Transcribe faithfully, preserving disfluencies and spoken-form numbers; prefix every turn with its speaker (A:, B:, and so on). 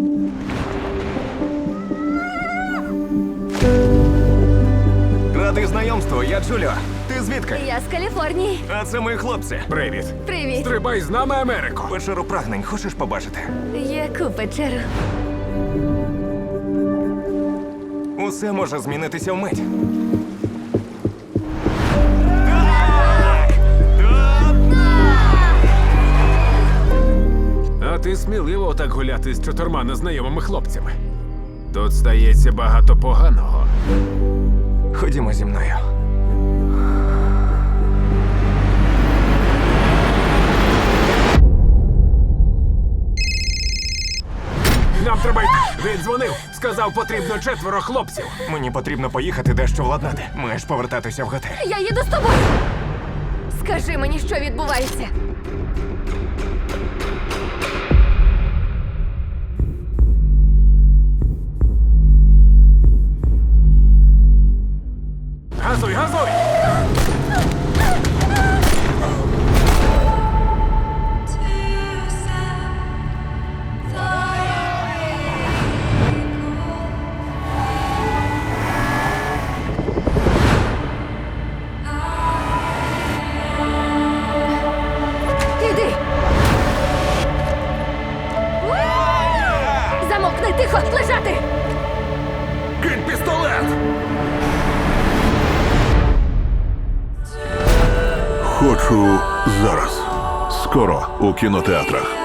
A: Радий знайомству, я Джуліо. Ти звідки?
B: Я з Каліфорнії.
A: А це мої хлопці.
C: Привіт.
B: Привіт.
C: Стрибай з нами, Америко.
A: Печеру прагнень хочеш побачити?
B: Яку печеру?
A: Усе може змінитися вмить.
C: А ти сміливо так гуляти з чотирма незнайомими хлопцями. Тут стається багато поганого.
A: Ходімо зі мною.
C: Нам треба йти. Він дзвонив. Сказав, потрібно четверо хлопців.
A: Мені потрібно поїхати дещо владнати. Маєш повертатися в готель.
B: Я їду з тобою. Скажи мені, що відбувається.
C: Газуй, газуй!
B: Іди. Замовкни, тихо, лежати.
C: Кинь пістолет!
D: Хочу зараз. Скоро у кінотеатрах.